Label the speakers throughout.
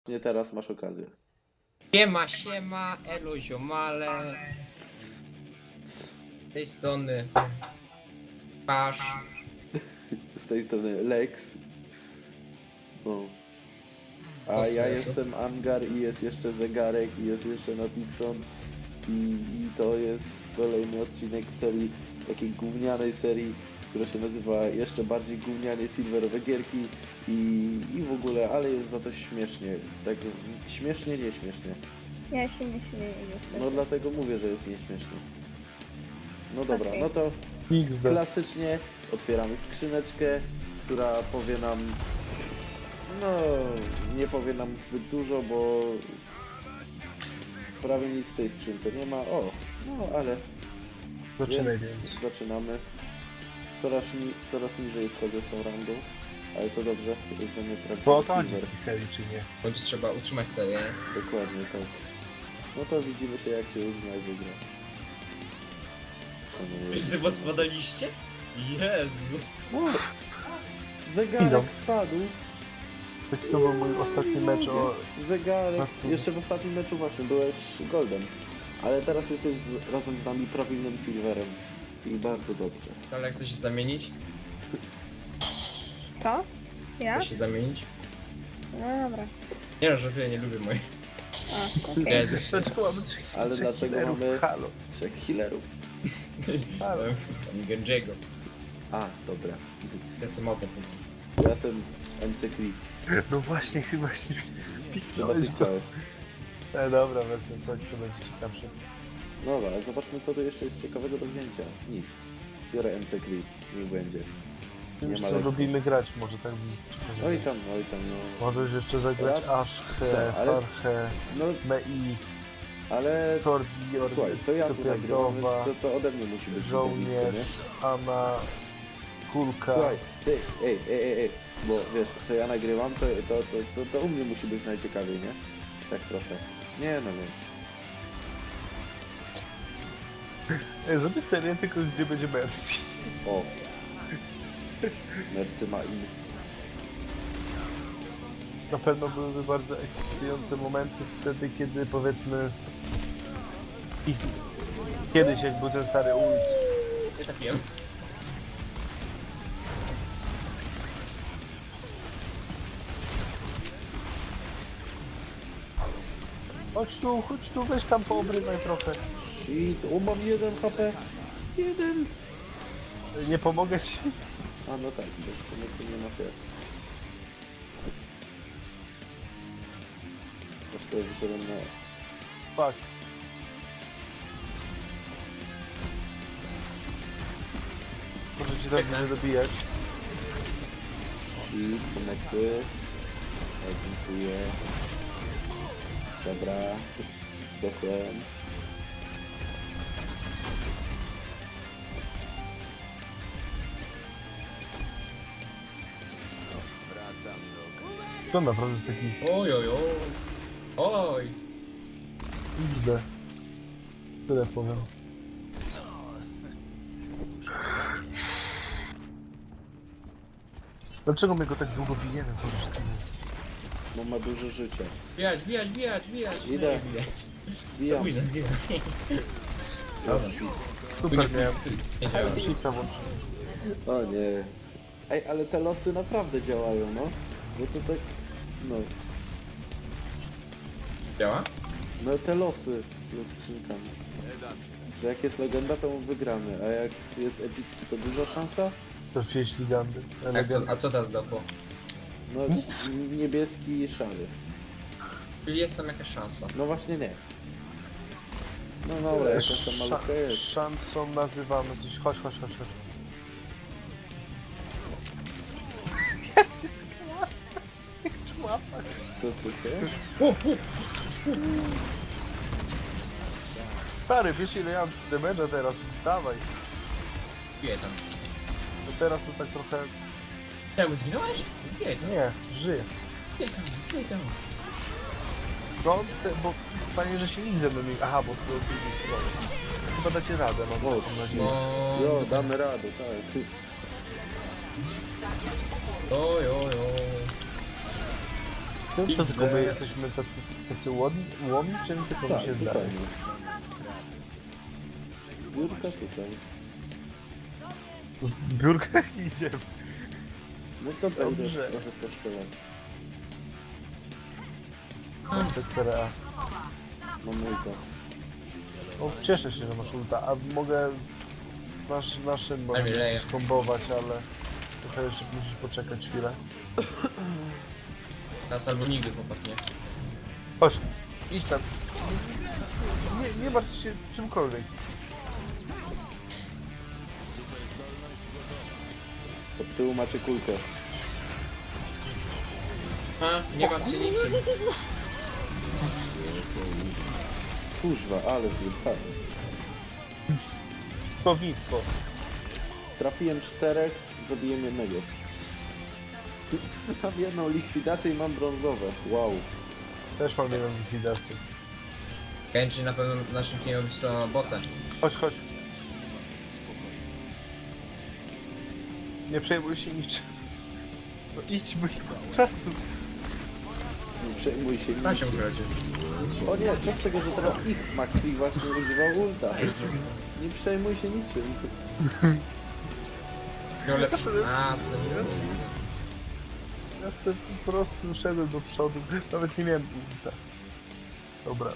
Speaker 1: Nie teraz masz okazję.
Speaker 2: Siema, elo ziomale. Z tej strony Pasz.
Speaker 1: Z tej strony Lex. No. A
Speaker 2: O,
Speaker 1: ja
Speaker 2: serio?
Speaker 1: jestem Angar i jest jeszcze Zegarek i jest jeszcze Natixon i to jest kolejny odcinek serii, takiej gównianej serii, która się nazywa jeszcze bardziej gównianie silverowe gierki i w ogóle, ale jest za to śmiesznie. Tak śmiesznie, nie śmiesznie.
Speaker 3: Ja się nie śmieję niestety.
Speaker 1: No dlatego mówię, że jest nieśmiesznie. No dobra,
Speaker 3: Okej.
Speaker 1: no to
Speaker 4: XD.
Speaker 1: klasycznie otwieramy skrzyneczkę, która powie nam, no nie powie nam zbyt dużo, bo prawie nic w tej skrzynce nie ma. O, no ale
Speaker 4: Zaczynaj
Speaker 1: więc
Speaker 4: więc.
Speaker 1: zaczynamy. Coraz niżej schodzę z tą rangą, ale to dobrze, to jest za mnie
Speaker 4: Bo o
Speaker 1: prawdziwy
Speaker 4: to
Speaker 1: silver.
Speaker 4: chodzi w serii, czy nie?
Speaker 2: Bądź trzeba utrzymać serię.
Speaker 1: Dokładnie tak. No to widzimy się, jak się uzna i wygra. Szanuję.
Speaker 2: Wszyscy was spadaliście? Jezu.
Speaker 1: O, zegarek
Speaker 4: Idą.
Speaker 1: spadł.
Speaker 4: To był mój ostatni mecz o...
Speaker 1: Zegarek. Jeszcze w ostatnim meczu właśnie byłeś goldem. Ale teraz jesteś razem z nami prawilnym silverem. I bardzo dobrze.
Speaker 2: Ale chcesz się zamienić?
Speaker 3: Co? Ja?
Speaker 2: Chcesz się zamienić?
Speaker 3: No dobra.
Speaker 2: Nie no, żartuję, nie lubię moich.
Speaker 3: A, okej.
Speaker 2: Nie, też się.
Speaker 4: Dlaczego mamy trzech
Speaker 1: Ale
Speaker 4: trzech
Speaker 1: dlaczego
Speaker 4: killerów?
Speaker 1: mamy-
Speaker 4: Halo.
Speaker 1: 3 healerów.
Speaker 4: Halo.
Speaker 2: Ani Genjiego.
Speaker 1: A, dobra.
Speaker 2: Ja jestem open.
Speaker 1: Ja jestem MC Creep.
Speaker 4: No właśnie, chyba się...
Speaker 1: Chyba ty chciałeś.
Speaker 4: Dobra, wezmę coś, co będzie ciekawsze.
Speaker 1: Dobra, ale zobaczmy, co tu jeszcze jest ciekawego do wzięcia. Nic. Biorę MC Creep. Niech będzie. Nie ma
Speaker 4: Już
Speaker 1: lekko.
Speaker 4: lubimy grać, może tak bym...
Speaker 1: Oj tam, no.
Speaker 4: Możesz jeszcze zagrać
Speaker 1: Raz,
Speaker 4: Ashkę,
Speaker 1: co, ale-
Speaker 4: Farchę,
Speaker 1: No,
Speaker 4: Mei,
Speaker 1: ale...
Speaker 4: Kordi,
Speaker 1: Słuchaj, to ja tu nagrywam, więc
Speaker 4: Tupiadowa,
Speaker 1: to ode mnie musi być widowisko, nie?
Speaker 4: Żołnierz, Anna, Kulka.
Speaker 1: Słuchaj, ty, ej, bo wiesz, to ja nagrywam, to u mnie musi być najciekawiej, nie? Tak trochę. Nie, no.
Speaker 4: Zrobię serię tylko gdzie będzie Mercy.
Speaker 1: O. Mercy ma i...
Speaker 4: Na pewno byłyby bardzo ekscytujące momenty wtedy, kiedy powiedzmy... Kiedyś jak był ten stary ult.
Speaker 2: Nie trafiłem.
Speaker 4: Chodź tu, weź tam poobrywaj trochę.
Speaker 1: Shit, o, mam 1 HP. 1.
Speaker 4: Nie pomogę ci.
Speaker 1: A no tak, bo w sumie tu nie masz jak. Aż sobie wyszedłem na...
Speaker 4: Fuck. Może ci tak
Speaker 2: Biegnę.
Speaker 4: będzie dobijać.
Speaker 1: Shit, koneksy. Ja dziękuję. Dobra. Zdechłem.
Speaker 4: To naprawdę jest taki
Speaker 2: Oj, oj, oj. Oj.
Speaker 4: XD. Tyle powiem. Dlaczego my go tak długo bijemy?
Speaker 1: No ma dużo życia.
Speaker 2: Bijać.
Speaker 1: Idę.
Speaker 2: Nie, bijać.
Speaker 1: Bijam.
Speaker 2: Późno, zginę.
Speaker 1: Dobra.
Speaker 4: Super miałem.
Speaker 2: Nie działa.
Speaker 4: Shifta włączyłem.
Speaker 1: O nie. Ej, ale te losy naprawdę działają, no. Bo to tak... No.
Speaker 2: Działa?
Speaker 1: No te losy ze skrzynkami. Że jak jest legenda, to wygramy, a jak jest epicki, to duża szansa?
Speaker 4: To wieśli gandy.
Speaker 2: A co teraz dopo?
Speaker 1: No
Speaker 4: Nic.
Speaker 1: niebieski i szary.
Speaker 2: Czyli jest tam jakaś szansa.
Speaker 1: No właśnie nie. No dobra, jakaś tam malutka jest.
Speaker 4: Szansą nazywamy coś. Chodź.
Speaker 1: Co ty się?
Speaker 4: Stary, wiesz ile ja mam damage'a teraz? Dawaj.
Speaker 2: Biję tam.
Speaker 4: To teraz to tak trochę...
Speaker 2: Czemu zginąłeś? Biję tam.
Speaker 4: Nie, żyję.
Speaker 2: Biję tam.
Speaker 4: No, bo fajnie, że się nic ze mną nie... Aha, bo to drugiej strony. Chyba dacie radę, no
Speaker 1: O,
Speaker 4: mam nadzieję.
Speaker 2: No.
Speaker 1: Jo, damy radę, tak.
Speaker 2: Oj.
Speaker 4: To tylko my jesteśmy tacy łomi, czy tylko
Speaker 1: Tak,
Speaker 4: mi się zdaje?
Speaker 1: dokładnie. Biurka tutaj.
Speaker 4: Biurka idziemy.
Speaker 1: No to będę
Speaker 4: Dobrze.
Speaker 1: trochę kosztować.
Speaker 4: C4A.
Speaker 1: Mam ulta.
Speaker 4: No, cieszę się, że masz ulta, a mogę naszym
Speaker 2: Daj mi leję.
Speaker 4: skombować, ale trochę jeszcze musisz poczekać chwilę.
Speaker 2: Teraz albo nigdy, chłopak, nie?
Speaker 4: Chodź, idź tam. Nie martw się czymkolwiek.
Speaker 1: Od tyłu macie kulkę.
Speaker 2: A, nie martw się niczym.
Speaker 1: Kurzwa, ale zjechałem.
Speaker 4: Słownictwo.
Speaker 1: Trafiłem 4, zabiłem jednego. Mam jedną likwidację i mam brązowe. Wow.
Speaker 4: Też mam jedną likwidację.
Speaker 2: Genji na pewno w naszym teamie robi to botę.
Speaker 4: Chodź, chodź. Nie przejmuj się niczym. No idź, bo nie ma czasu.
Speaker 1: Nie przejmuj się
Speaker 2: Da się
Speaker 1: niczym.
Speaker 2: ugradzie.
Speaker 1: O nie, co z tego, że teraz ich McCree właśnie używał ulta. Nie przejmuj się niczym.
Speaker 2: Miał lepszy. A, to za
Speaker 4: Ja sobie po prostu szedłem do przodu. Nawet nie miałem ulta. Dobra.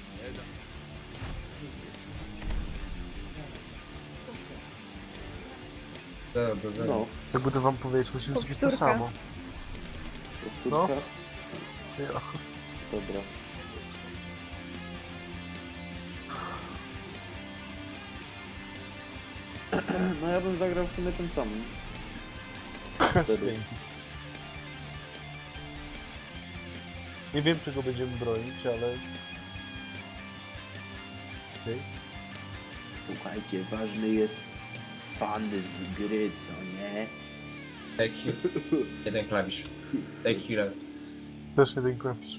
Speaker 2: zero do zera.
Speaker 1: No,
Speaker 4: Jakby to wam powiedzieć, musimy zrobić to
Speaker 3: Powtórka.
Speaker 4: samo.
Speaker 1: powtórka.
Speaker 4: Ja.
Speaker 1: Dobra. No ja bym zagrał w sumie tym samym. Wtedy.
Speaker 4: Dzięki. Nie wiem, czego będziemy bronić, ale... Okej.
Speaker 1: Słuchajcie, ważny jest fan z gry, co nie?
Speaker 2: Take heal. Jeden klawisz. Take healer.
Speaker 4: Też jeden klawisz.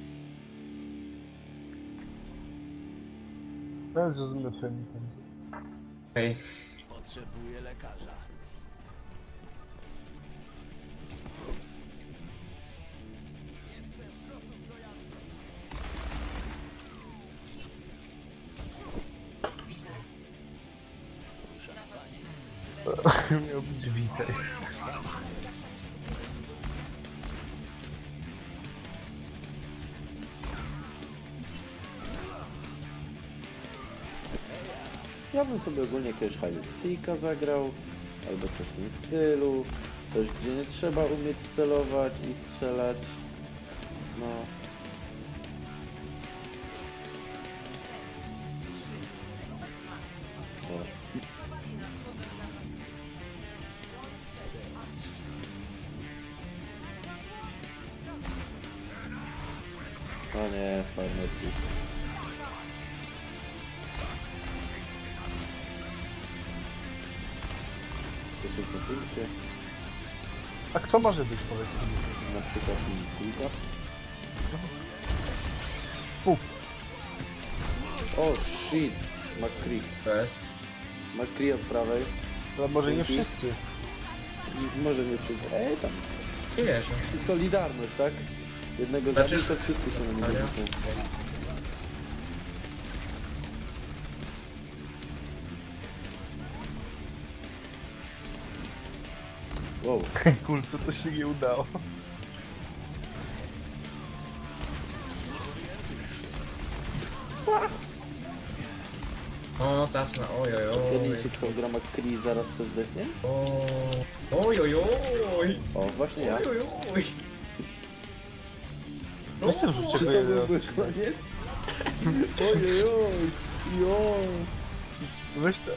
Speaker 4: Ja zrozumiem twoje intencje.
Speaker 2: Okej.
Speaker 5: Potrzebuję lekarza.
Speaker 4: Miał być witaj.
Speaker 1: Ja bym sobie ogólnie jakiegoś Hydexika zagrał, albo coś w tym stylu. Coś, gdzie nie trzeba umieć celować i strzelać. No. O. O nie, farmacy. To jest na punkcie,
Speaker 4: A kto może być, powiedz mi?
Speaker 1: na przykład kulka.
Speaker 4: Puf.
Speaker 1: O shit, McCree.
Speaker 2: To jest.
Speaker 1: McCree od prawej.
Speaker 4: No może nie
Speaker 1: Dzięki.
Speaker 4: wszyscy.
Speaker 1: Może nie wszyscy. Tam.
Speaker 2: Nie wierzę.
Speaker 1: Solidarność, tak? Jednego
Speaker 2: Znaczy-
Speaker 1: zabić, to wszyscy się na niego
Speaker 2: Serio?
Speaker 1: rzucą. Wow.
Speaker 4: Kulce, to się nie udało.
Speaker 2: O, teraz na ojojoj.
Speaker 1: Zgadnijcie, kto gra McCree zaraz se zdechnie?
Speaker 2: Ojojoj.
Speaker 1: O, właśnie ja.
Speaker 2: Ojojoj.
Speaker 4: Weź ten rzucie
Speaker 1: Czy to byłby koniec? Ojojoj. Jo.
Speaker 4: Weź ten.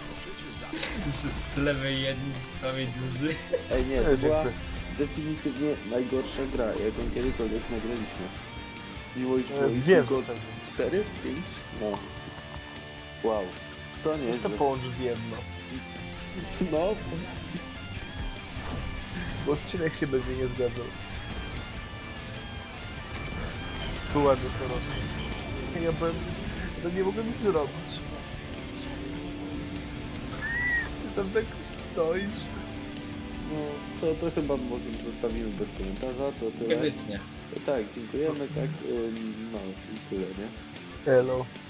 Speaker 2: Z lewej jeden, z prawej drugi.
Speaker 1: Ej nie, to była
Speaker 4: Dziękuję.
Speaker 1: definitywnie najgorsza gra, jaką kiedykolwiek nagraliśmy. Miło iż było ich
Speaker 4: Wiem,
Speaker 1: tylko
Speaker 4: że tak.
Speaker 1: 4, 5? No. Wow. To nie
Speaker 4: Weź to połączyć w jedno.
Speaker 1: No,
Speaker 4: Bo odcinek się będzie nie zgadzał. Tu ładnie to robi. Ja byłem... To nie mogę nic zrobić. Ty tam tak stoisz.
Speaker 1: no to chyba może zostawimy bez komentarza, to
Speaker 2: Nie
Speaker 1: tyle.
Speaker 2: wytnie.
Speaker 1: Tak, dziękujemy, tak, no i tyle, nie?
Speaker 4: Elo.